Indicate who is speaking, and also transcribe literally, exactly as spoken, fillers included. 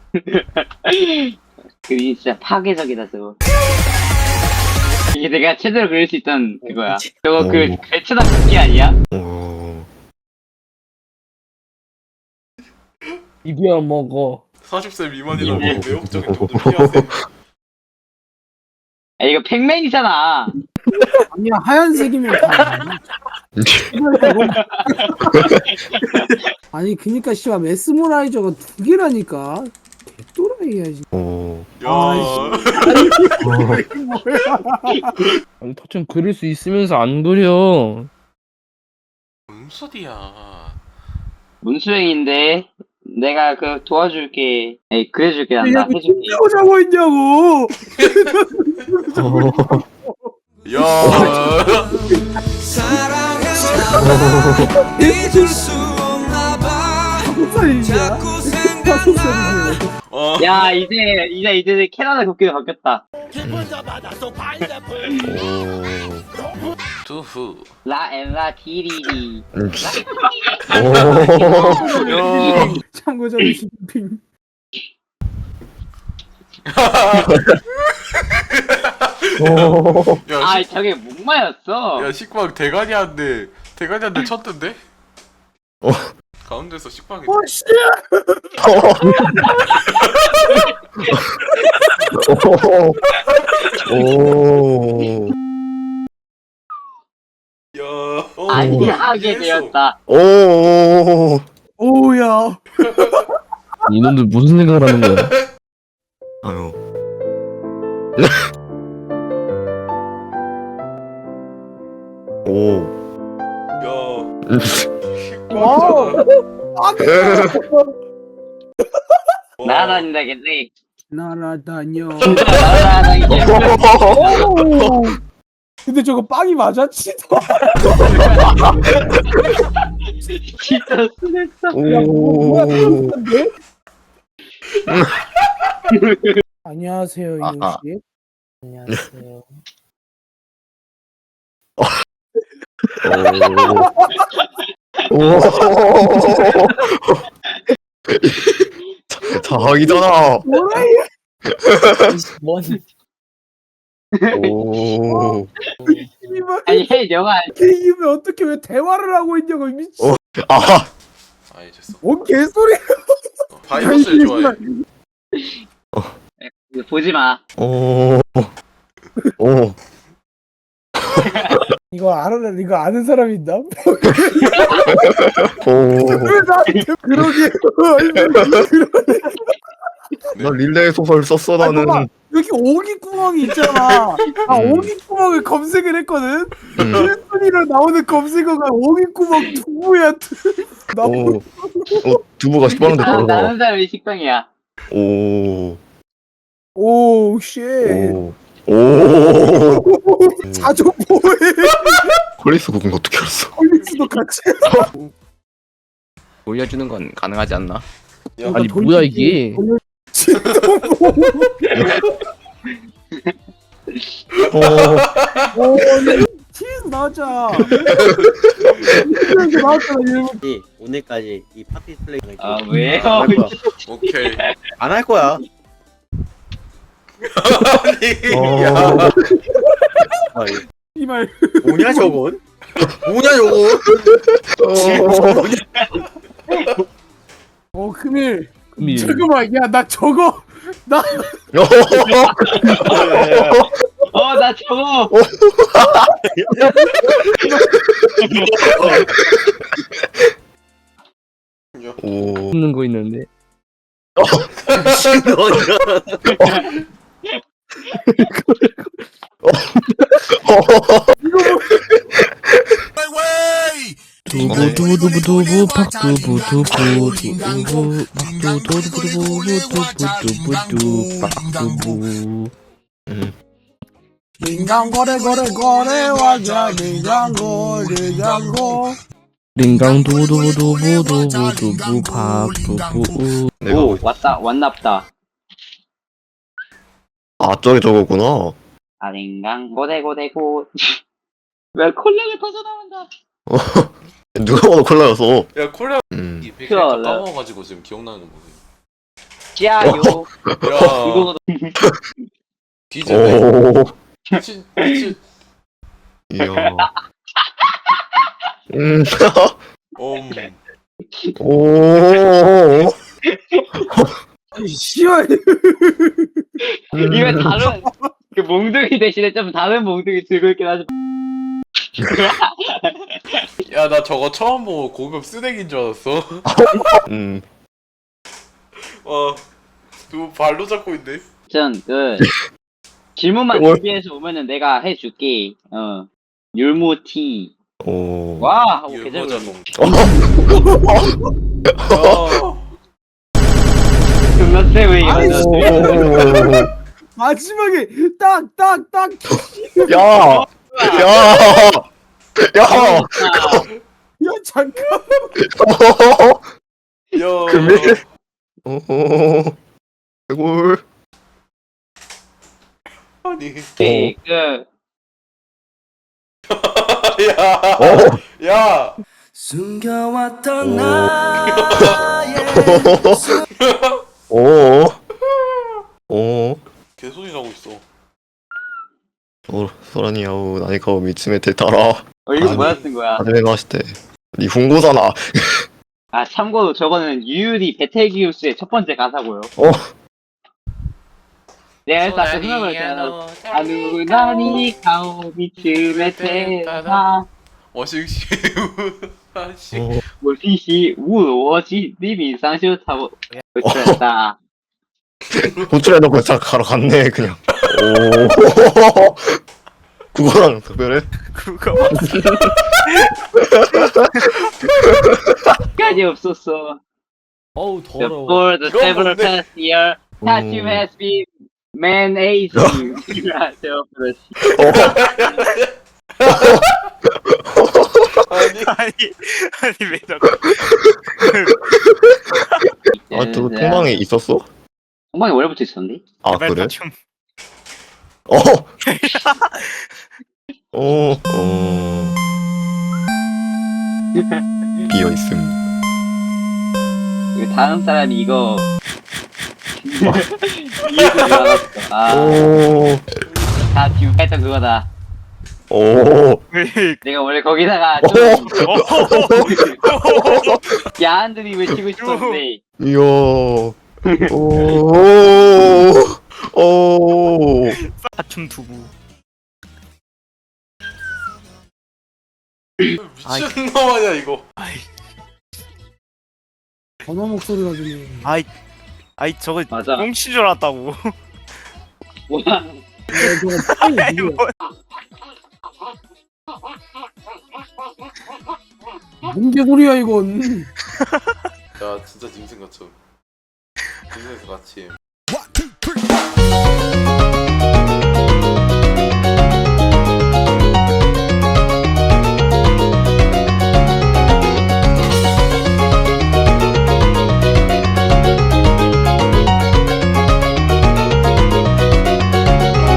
Speaker 1: 그게 진짜 파괴적이다 저거. 이게 내가 최대로 그릴 수 있던 그거야. 저거 그
Speaker 2: 오.
Speaker 1: 배추다 붓기 아니야?
Speaker 2: 오.
Speaker 3: 비벼 먹어.
Speaker 4: 사십 세 미만이라면
Speaker 1: 예.
Speaker 4: 매혹적인 점들 피하세요.
Speaker 1: 아 이거 팩맨이잖아.
Speaker 3: 아니야 하얀색이면 다. 아니 그니까 씨발 메스머라이저가 두 개라니까. 개또라이야지.
Speaker 2: 오.
Speaker 4: 야,
Speaker 3: 아니 터좀 그릴 수 있으면서 안 그려.
Speaker 4: 뭔 소리야.
Speaker 1: 문수행인데 내가 그 도와줄게. 에이 그려줄게 난다 해줄게.
Speaker 3: 자고 있냐고.
Speaker 4: 야,
Speaker 5: 잊을 수 없나 봐.
Speaker 3: 살이야. 다섯 살이지.
Speaker 4: 어,
Speaker 1: 야 이제 이제 이제 캐나다 국기로 바뀌었다.
Speaker 2: 오.
Speaker 4: 두후.
Speaker 1: 라앤라 디리디.
Speaker 2: 음.
Speaker 4: 야,
Speaker 3: 참고자는 시진핑.
Speaker 2: 오.
Speaker 4: 야,
Speaker 1: 아
Speaker 4: 식,
Speaker 1: 저게 목마였어.
Speaker 4: 야 식빵 대가리한테 대가리한테 쳤던데?
Speaker 2: 어.
Speaker 4: 가운데서 식빵이.
Speaker 3: 씨.
Speaker 2: 오.
Speaker 4: 야, 어,
Speaker 1: 안하게
Speaker 4: 이해했어.
Speaker 1: 되었다.
Speaker 2: 오.
Speaker 3: 오야.
Speaker 6: 이놈들 무슨 생각을 하는 거야?
Speaker 2: 아유. 오.
Speaker 4: 야,
Speaker 3: 와.
Speaker 4: 식빵.
Speaker 1: 날아다닌다겠네.
Speaker 3: 날아다녀.
Speaker 1: 날아다니겠네.
Speaker 3: 오. 근데 저거 빵이 맞았지?
Speaker 1: 진짜 순했어.
Speaker 2: 오.
Speaker 3: 안녕하세요
Speaker 6: 아하.
Speaker 3: 이용 씨. 안녕하세요.
Speaker 2: 오. 자기잖아.
Speaker 3: 뭐라
Speaker 6: 뭔?
Speaker 2: 오.
Speaker 3: 이발
Speaker 1: 아니 해 영화
Speaker 3: 이게 어떻게 왜 대화를 하고 있냐고 미친.
Speaker 2: 어. 아.
Speaker 4: 아, 이제어.
Speaker 3: 뭔 개소리야.
Speaker 4: 바이러스를 좋아해.
Speaker 1: 보지 마.
Speaker 2: 오. 오.
Speaker 3: 이거 알아? 이거 아는 사람 있나?
Speaker 2: 오.
Speaker 3: 왜 나한테 그러게?
Speaker 2: 나 릴레이 소설 썼어
Speaker 3: 아,
Speaker 2: 나는.
Speaker 3: 봐봐. 여기 오기 구멍이 있잖아. 아
Speaker 2: 음.
Speaker 3: 오기 구멍을 검색을 했거든.
Speaker 2: 음.
Speaker 3: 일순위로 나오는 검색어가 오기 구멍 두부야. 나
Speaker 2: 오. 어, 두부가 십만원대
Speaker 1: 아,
Speaker 2: 떨어져.
Speaker 1: 나는 사람이 식빵이야.
Speaker 2: 오.
Speaker 3: 오 쉣.
Speaker 2: 오. 오.
Speaker 3: 자주 뭐해?
Speaker 6: 콜리스 국은 어떻게 알았어?
Speaker 3: 콜릭스도 같이.
Speaker 6: 올려주는 건 가능하지 않나?
Speaker 4: 야,
Speaker 6: 아니 뭐야 이게?
Speaker 2: 오.
Speaker 3: 오, 치즈 나왔자. 치즈 나왔잖아 일본.
Speaker 7: 이 오늘까지 이 파티 플레이
Speaker 1: 아 왜요?
Speaker 7: 안할 거야.
Speaker 4: 오케이.
Speaker 7: 안 할 거야.
Speaker 4: 아니, 야,
Speaker 7: 아, 이거
Speaker 3: 이말.
Speaker 7: 뭐냐 저건? 뭐냐 저건?
Speaker 3: 어 금일.
Speaker 6: 금일.
Speaker 3: 잠깐만 야 나 저거 나
Speaker 1: 어 나 저거.
Speaker 2: 오.
Speaker 6: 없는 거 있는데. 두부 두부 두부 두부 팍두부 두부 두부 팍두부 두부 두부 두부 두부 팍두부.
Speaker 3: 민간 거래 거래 거래 와자 민간 거래 장고.
Speaker 6: 링강 두부 두부 두부 두부 두부 팍두부.
Speaker 2: 내가
Speaker 1: 오 왔다 왔납다.
Speaker 2: 아 저기 저거구나.
Speaker 1: 아링강 고대고대고. 왜 콜라가 터져 나온다.
Speaker 2: 누가 봐도 콜라였어.
Speaker 4: 야 콜라
Speaker 2: 음.
Speaker 4: 이 백
Speaker 1: 그래.
Speaker 4: 까먹어가지고 지금 기억나는 거 뭐지?
Speaker 1: 짜요.
Speaker 4: 야
Speaker 1: 이거
Speaker 4: 뒤졌네.
Speaker 2: 오.
Speaker 4: 미친 미친.
Speaker 2: 이야. 음.
Speaker 4: 음.
Speaker 2: 오.
Speaker 3: 아니 씨발.
Speaker 1: 이거 다른 그 몽둥이 대신에 좀 다른 몽둥이 들고 있긴 하지.
Speaker 4: 야 나 저거 처음 보고 고급 쓰레기인 줄 알았어.
Speaker 2: 음.
Speaker 4: 와 누구 발로 잡고 있네.
Speaker 1: 전그 질문만
Speaker 2: 뭘?
Speaker 1: 준비해서 오면은 내가 해줄게. 어 율무티.
Speaker 2: 오.
Speaker 1: 와 하고
Speaker 4: 율무
Speaker 1: 계절
Speaker 4: 자동.
Speaker 1: 어.
Speaker 4: 야
Speaker 1: 존나 세왜 이거.
Speaker 3: 아니,
Speaker 2: 오.
Speaker 3: 마지막에 딱딱딱
Speaker 2: 야. 야. 야.
Speaker 3: 야 잠깐.
Speaker 4: 야.
Speaker 2: 금일. 오. 개골.
Speaker 4: 아니.
Speaker 1: 그
Speaker 4: 야.
Speaker 2: 오.
Speaker 4: 야.
Speaker 5: 숨겨왔던
Speaker 2: 오.
Speaker 5: 나의
Speaker 2: 오. 오.
Speaker 4: 개소리 나고 있어.
Speaker 2: 오. 소라니야오 나니까 미츠메테 따라.
Speaker 1: 어 이거
Speaker 2: 아니.
Speaker 1: 뭐야 쓴 거야?
Speaker 2: 하지메 마시테. 니 훈고잖아.
Speaker 1: 아 참고로 저거는 유유리 베텔기우스의 첫 번째 가사고요.
Speaker 2: 어.
Speaker 1: 내가 해서 아까 생각을 했잖아. 아누 나니 가오 미츠메테 나
Speaker 4: 워싱시 아씨.
Speaker 2: 오.
Speaker 1: 我必须误我去你比上修差不不哒。
Speaker 2: 호출해놓고 딱 가러 갔네 그냥. 오. 그거랑 특별해?
Speaker 7: 그거
Speaker 1: 까지 없었어.
Speaker 6: 어우 더러워.
Speaker 1: For the
Speaker 4: 이건
Speaker 1: several
Speaker 4: 뭔데?
Speaker 1: past year, Tattoo has been managing.
Speaker 4: 아니.
Speaker 7: 아니 아니 왜 저거
Speaker 2: 아또 통방에 있었어?
Speaker 1: 통방에 원래부터 있었는데?
Speaker 2: 아
Speaker 7: 제발
Speaker 2: 그래?
Speaker 7: 좀
Speaker 2: 어. 어. 어. 비어 있음.
Speaker 1: 이거 다음 사람이 이거 이해도 알았어. 아,
Speaker 2: 오.
Speaker 1: 다 지금 했던 그거다.
Speaker 2: 오.
Speaker 1: 내가 원래 거기다가
Speaker 2: 오.
Speaker 1: 좀 야한들이 외치고 싶었는데
Speaker 2: 이야. 오. 오.
Speaker 7: 사춤 두부
Speaker 4: 미친놈 아니야 이거.
Speaker 3: 전화 목소리가 들리네.
Speaker 7: 아이 아이 저거
Speaker 1: 맞아.
Speaker 7: 꽁친 줄 알았다고
Speaker 1: 와,
Speaker 3: 야, 저거 빨리
Speaker 7: 아이
Speaker 3: 누구야?
Speaker 7: 뭐
Speaker 3: 뭔 개소리야 이건.
Speaker 4: 야 진짜 짐승 같죠. 짐승에서 같이.